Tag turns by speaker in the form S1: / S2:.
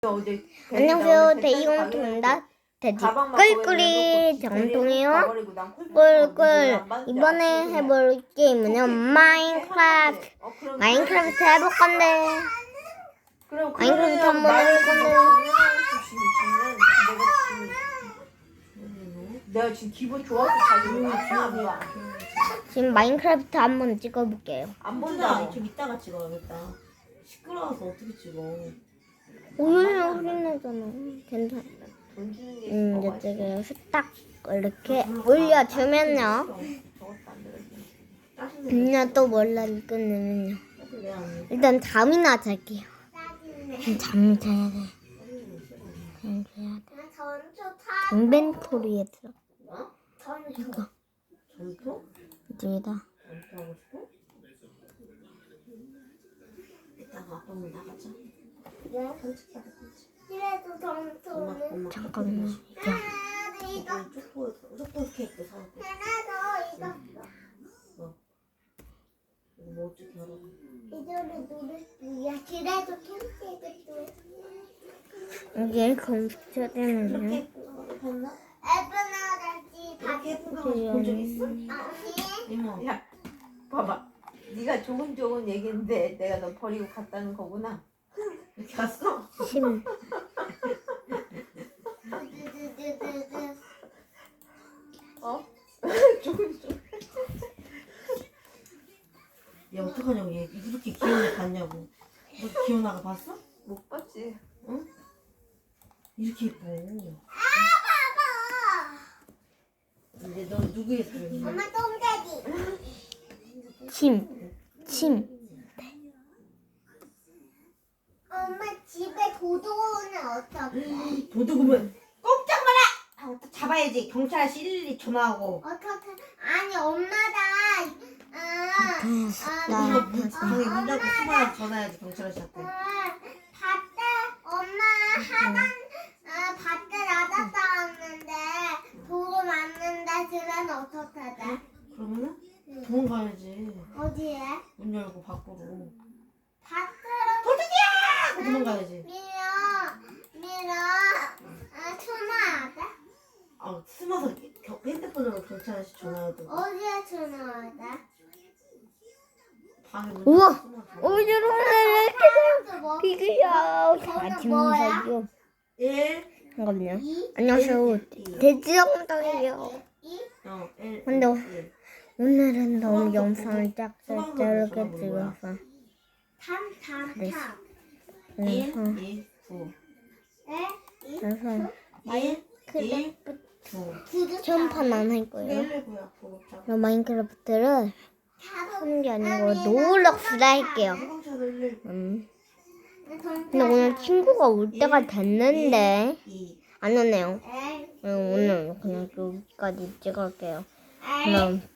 S1: 어제
S2: 안녕하세요. 대이공통입니다. 돼지 꿀꿀이 정통이요. 꿀꿀. 이번에 해볼 게임은요 마인크래프트. 마인크래프트 해볼 건데. 마인크래프트 한번 해볼 건데.
S1: 내가 지금 기분 좋아서 가지고 왔어.
S2: 지금 마인크래프트 한번 찍어볼게요.
S1: 안 본다.
S3: 좀 이따가 찍어야겠다. 시끄러워서 어떻게 찍어?
S2: 오늘은 소리 나잖아. 괜찮아.
S1: 돈 주는 게 뭐가 있어?
S2: 이쪽에 후딱 이렇게 올려주면요.
S1: 저것도 안 들어줘.
S2: 그냥 또 몰라 끝내면요. 일단 잠이나 잘게요. 잠 자야 돼. 잠 자야 돼. 인벤토리에 들어. 이거
S3: 전투?
S2: 이쪽에다.
S3: 전투하고 싶어? 이따가 아빠 문 나가자.
S4: 그래도 점수는
S2: 잠깐만.
S4: 이거
S3: 초코 케이크 사올게.
S4: 하나 더
S3: 이거 뭐 어떻게 알아?
S4: 이거를 누를 거야. 그래도 캠핑도
S2: 이게 컴퓨터 되면요.
S3: 케이크 봤나?
S4: 에브나다지
S3: 이렇게 예쁜 거 본 적 있어?
S4: 아니
S3: 이모.
S1: 야, 봐봐. 네가 좋은 얘기인데 내가 너 버리고 갔다는 거구나.
S3: 이렇게 갔어?
S2: 심.
S1: 어? 좋은.
S3: 야 어떡하냐고 얘 이렇게 귀여운 애 봤냐고. 너 기현아가 봤어?
S1: 못 봤지.
S3: 응? 이렇게 예뻐. 근데 너 누구의 사랑이야?
S4: 엄마 똥돼지
S2: 심.
S4: 엄마 집에 도둑오면 어떡해?
S3: 도둑이면 꼼짝 마라! 하고 또 잡아야지. 경찰 112 전화하고.
S4: 어떡해? 아니 엄마다
S3: 방에 문 닫고 숨어야 전화해야지 경찰 아저씨한테.
S4: 밭에 엄마 밭에 나갔다 왔는데 도로 맞는데 그러면 어떡해 돼?
S3: 그러면은 도망가야지.
S4: 어디에?
S3: 문 열고 밖으로.
S4: 밭으로
S3: 도둑이야! 도망가야지.
S4: 밀어 전화해야 돼?
S3: 아 숨어서 핸드폰으로 경찰 아저씨 전화해도.
S4: 어디에 전화해야 돼?
S3: 방에 문
S2: 우와!
S3: 닫고 숨어서.
S2: 오늘은
S4: 또 뭐?
S2: 비교요.
S4: 그거는 뭐야?
S3: 1
S2: 잠깐만요.
S4: 2
S2: 안녕하세요. 돼지정통이에요.
S4: 2
S3: 1
S2: 근데
S3: 1
S2: 오늘은 너무 영상을 짧게 찍어서
S4: 3
S2: 네.
S4: 3
S3: 1
S2: 그래서
S3: 2 9
S2: 그래서
S3: 1 1 9
S2: 처음판 안 할 거예요.
S3: 1 9야 9
S2: 저 마인크래프트를 하는 게 아니고 노블록스를 할게요.
S3: 해방차를
S2: 근데 오늘 친구가 올 때가 됐는데
S3: 2
S2: 안 오네요. 오늘 그냥 여기까지 찍을게요. 그럼